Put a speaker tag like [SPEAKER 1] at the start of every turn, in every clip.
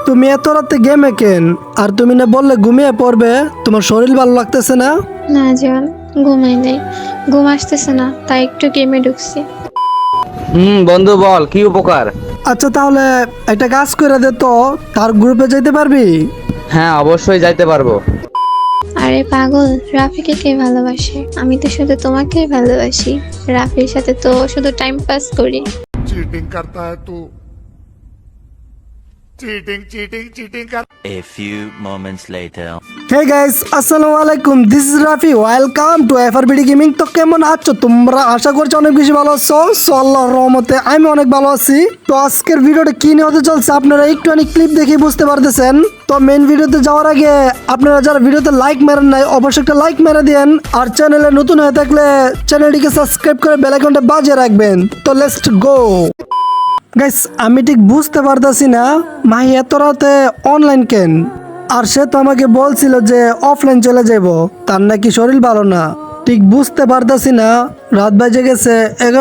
[SPEAKER 1] তুমি এত রাতে গেমে কেন? আর তুমি না বললে ঘুমিয়ে পড়বে, তোমার শরীর ভালো লাগতেছে না?
[SPEAKER 2] না জান, ঘুমাই নাই, ঘুম আসতেছে না, তাই একটু গেমে ঢুকছি।
[SPEAKER 3] বন্ধু বল কি উপকার।
[SPEAKER 1] আচ্ছা তাহলে একটা কাজ করে দে তো, তার গ্রুপে যেতে পারবি?
[SPEAKER 3] হ্যাঁ অবশ্যই যাইতে পারবো।
[SPEAKER 2] আরে পাগল, রাফিকে কে ভালোবাসে? আমি তো শুধু তোমাকেই ভালোবাসি। রাফির সাথে তো শুধু টাইম পাস করি।
[SPEAKER 4] चीटिंग करता है तू। चीटिंग चीटिंग चीटिंग कर।
[SPEAKER 5] A few moments later.
[SPEAKER 1] Hey guys, আসসালামু আলাইকুম, this is Rafi, welcome to FRBD gaming. তো কেমন আছো তোমরা? আশা করছি অনেক বেশি ভালো আছো। সো আল্লাহর রহমতে আমি অনেক ভালো আছি। তো আজকের ভিডিওটা কি নিয়ে হতে চলছে আপনারা একটু অনেক ক্লিপ দেখে বুঝতে পারতেছেন। তো মেন ভিডিওতে যাওয়ার আগে আপনারা যারা ভিডিওতে লাইক মেরেন নাই অবশ্যই একটা লাইক মেরে দেন, আর চ্যানেলে নতুন হয়ে থাকলে চ্যানেলটিকে সাবস্ক্রাইব করে বেল আইকনটা বাজিয়ে রাখবেন। তো লেটস গো গাইস, আমি ঠিক বুঝতে পারতাছি না মাহি এত রাতে অনলাইন কেন। আর সে তো আমাকে বলছিল যে অফলাইন চলে যাব, তার নাকি শরীর ভালো না। ঠিক বুঝতে পারতাছি না, রাত বাজে গেছে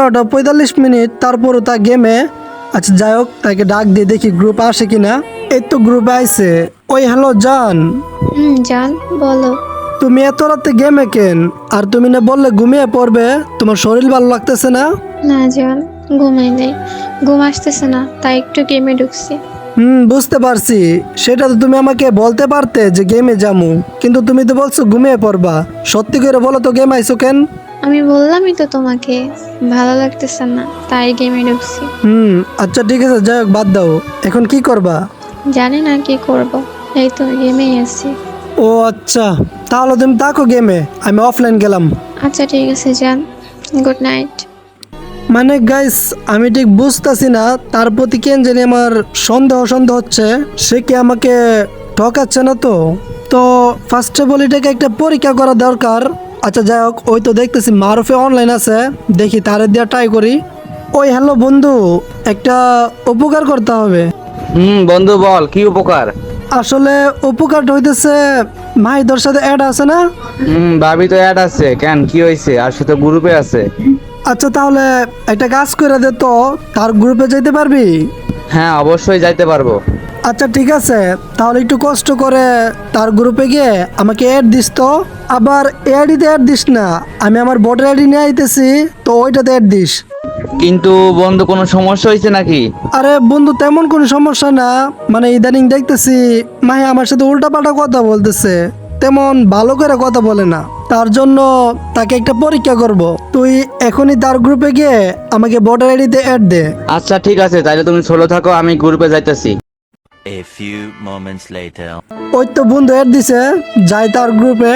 [SPEAKER 1] 11:45, তারপরও তা গেমে। আচ্ছা যাই হোক, তাকে ডাক দিয়ে দেখি গ্রুপ আসে কিনা। এই তো গ্রুপে আইছে। ওই হ্যালো জান,
[SPEAKER 2] জান বলো।
[SPEAKER 1] তুমি এত রাতে গেমে কেন? আর তুমি না বললে ঘুমিয়ে পড়বে, তোমার শরীর ভালো লাগতেছে না?
[SPEAKER 2] না জান, ঘুমাই নাই, ঘুম আসতেছে না, তাই একটু গেমে ঢুকছি।
[SPEAKER 1] বুঝতে পারছি। সেটা তো তুমি আমাকে বলতে পারতে যে গেমে যামু, কিন্তু তুমি তো বলছো ঘুমিয়ে পড়বা। সত্যি করে বলো তো, গেম আইছো কেন?
[SPEAKER 2] আমি বললামই তো তোমাকে, ভালো লাগতেছে না, তাই গেমে ঢুকছি।
[SPEAKER 1] আচ্ছা ঠিক আছে, যাই হোক বাদ দাও। এখন কি করবা?
[SPEAKER 2] জানি না কি করব, এই তো গেমেই আছি।
[SPEAKER 1] ও আচ্ছা, তাহলে তুমি থাকো গেমে, আমি অফলাইন গেলাম।
[SPEAKER 2] আচ্ছা ঠিক আছে জান, গুড নাইট।
[SPEAKER 1] মানে গাইস, আমি ঠিক বুঝতেছি না তার প্রতি কেন জানি আমার সন্দেহ সন্দেহ হচ্ছে। সে কি আমাকে ঠকাচ্ছে না তো? তো ফার্স্টে বলি এটাকে একটা পরীক্ষা করা দরকার। আচ্ছা যাই হোক, ওই তো দেখতেছি মারুফে অনলাইন আছে, দেখি তারে দিয়ে ট্রাই করি। ওই হ্যালো বন্ধু, একটা উপকার করতে হবে।
[SPEAKER 3] বন্ধু বল কি উপকার।
[SPEAKER 1] আসলে উপকারটা হইতেছে, মাহিদর সাথে অ্যাড আছে না?
[SPEAKER 3] ভাবি তো অ্যাড আছে, কেন কি হয়েছে? আর সে তো গ্রুপে আছে।
[SPEAKER 1] আচ্ছা তাহলে একটা কাজ করে দে তো, তার গ্রুপে যেতে পারবি?
[SPEAKER 3] হ্যাঁ অবশ্যই যাইতে পারবো।
[SPEAKER 1] আচ্ছা ঠিক আছে, তাহলে একটু কষ্ট করে তার গ্রুপে গিয়ে আমাকে অ্যাড দিস তো। আবার অ্যাডিতে অ্যাড দিস না, আমি আমার ভোটার আইডি নিয়ে আইতেছি, তো ওইটাতে অ্যাড দিস।
[SPEAKER 3] কিন্তু বন্ধু কোনো সমস্যা হয়েছে নাকি?
[SPEAKER 1] আরে বন্ধু, তেমন কোনো সমস্যা না। মানে ইদানিং দেখতেছি মাহি আমার সাথে উল্টাপাল্টা কথা বলতেছে, তেমন ভালো করে কথা বলে না। তার জন্য তাকে একটা পরীক্ষা করব। তুই এখনই তার গ্রুপে গিয়ে আমাকে ভোটার আইডিতে অ্যাড দে।
[SPEAKER 3] আচ্ছা ঠিক আছে, তাইলে তুমি সোলো থাকো, আমি গ্রুপে যাইতেছি।
[SPEAKER 5] A few moments later.
[SPEAKER 1] ওই তো বন্ধু অ্যাড দিছে, যাই তার গ্রুপে।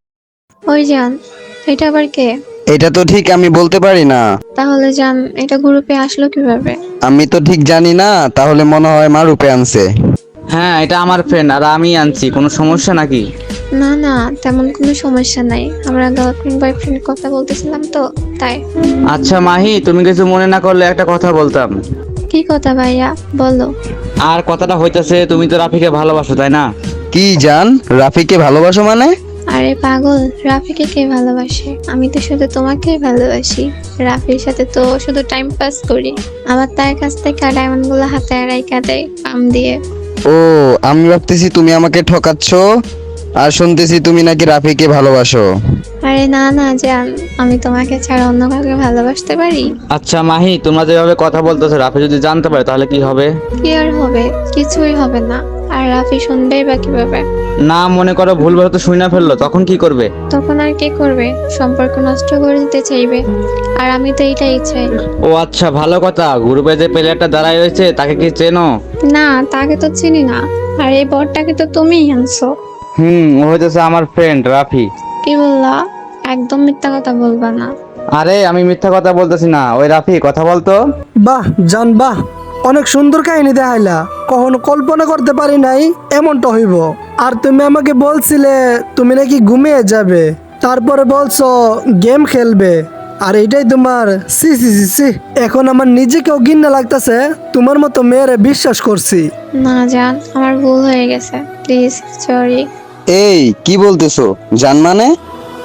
[SPEAKER 2] ওই জান, এটা আবার কে?
[SPEAKER 6] এটা তো ঠিক আমি বলতে পারি না।
[SPEAKER 2] তাহলে জান, এটা গ্রুপে আসলো কিভাবে?
[SPEAKER 6] আমি তো ঠিক জানি না, তাহলে মনে হয় মা রূপে আনছে।
[SPEAKER 3] হ্যাঁ এটা আমার ফ্রেন্ড, আর আমি আনছি। কোনো সমস্যা নাকি?
[SPEAKER 2] না না, তেমন কোনো সমস্যা নাই, আমরা গার্লফ্রেন্ড বয়ফ্রেন্ড কথা বলতেছিলাম তো, তাই।
[SPEAKER 3] আচ্ছা মাহি, তুমি কিছু মনে না করলে একটা কথা বলতাম।
[SPEAKER 2] কি কথা ভাইয়া, বলো।
[SPEAKER 3] আর কথাটা হইতাছে, তুমি তো রাফিকে ভালোবাসো তাই না?
[SPEAKER 6] কি জান, রাফিকে ভালোবাসো মানে?
[SPEAKER 2] আরে পাগল, রাফিকে কে ভালোবাসে? আমি তো শুধু তোমাকেই ভালোবাসি। রাফির সাথে তো শুধু টাইম পাস করি। আমার তার কাছ থেকে ডায়মন্ড গুলো হাতে রাইখা দেয় পাম দিয়ে।
[SPEAKER 6] ও, আমি ভাবতেছি তুমি আমাকে ঠকাচ্ছ, আর শুনতেছি তুমি নাকি রাফিকে ভালোবাসো।
[SPEAKER 2] আরে না না জান, আমি তোমাকে ছাড়া অন্য কাউকে ভালোবাসতে পারি?
[SPEAKER 3] আচ্ছা মাহি, তোমরা যেভাবে কথা বলতেছো, রাফি যদি জানতে পারে তাহলে কি হবে?
[SPEAKER 2] কি আর হবে, কিছুই হবে না। আর রাফি শুনবেই বা কিভাবে?
[SPEAKER 3] না মনে করো ভুলভাল তো শুনে ফেললো, তখন কি করবে?
[SPEAKER 2] তখন আর কি করবে, সম্পর্ক নষ্ট করে দিতে চাইবে। আর আমি তো এইটাই চাই।
[SPEAKER 3] ও আচ্ছা ভালো কথা। গ্রুপে যে প্লেয়ারটা দাঁড়ায় রয়েছে তাকে কি চেনো?
[SPEAKER 2] না, তাকে তো চিনি না। আর এই বরটাকে তো তুমিই আনছো।
[SPEAKER 3] ও হইতেছে আমার ফ্রেন্ড রাফি।
[SPEAKER 2] কি বললা? একদম মিথ্যা কথা বলবা না।
[SPEAKER 3] আরে আমি মিথ্যা কথা বলতেছি না। ওই রাফি, কথা বলতো।
[SPEAKER 1] বাহ জান বাহ, অনেক সুন্দর কাহিনী দেখাইলা। কখনো কল্পনা করতে পারি নাই এমনটা হইব। আর তুমি আমাকে বলছিলে তুমি নাকি ঘুমিয়ে যাবে, তারপরে বলছো গেম খেলবে। আর এটাই তোমার সি সি সি সি। এখন আমার নিজেকেও ঘৃণা লাগতেছে, তোমার মতো মেয়েরে বিশ্বাস করছি।
[SPEAKER 2] না জান, আমার ভুল হয়ে গেছে, প্লিজ সরি।
[SPEAKER 6] এই কি বলতেছো জান? মানে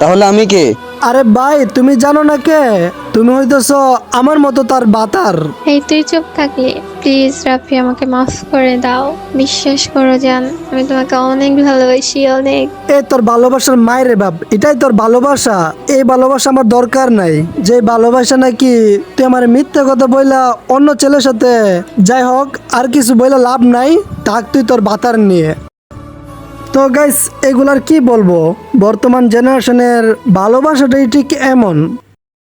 [SPEAKER 6] তাহলে আমি কে?
[SPEAKER 1] আরে ভাই তুমি জানো না কে? তুমি হইতেছ আমার মতো তার বাতার।
[SPEAKER 2] এই তুই চুপ থাকলে প্লিজ রাফি, আমাকে মাফ করে দাও। বিশ্বাস করো জান, আমি তোমাকে অনেক ভালোবাসি, অনেক।
[SPEAKER 1] এ তোর ভালোবাসার মায়েরে বাপ, এটাই তোর ভালোবাসা? এই ভালোবাসা আমার দরকার নাই। যে ভালোবাসা নাকি তুই আমার মিথ্যা কথা বইলা অন্য ছেলের সাথে, যাই হোক আর কিছু বইলা লাভ নাই, থাক তুই তোর বাতার নিয়ে। তো গাইস এগুলার কি বলবো, বর্তমান জেনারেশনের ভালোবাসাটাই ঠিক এমন।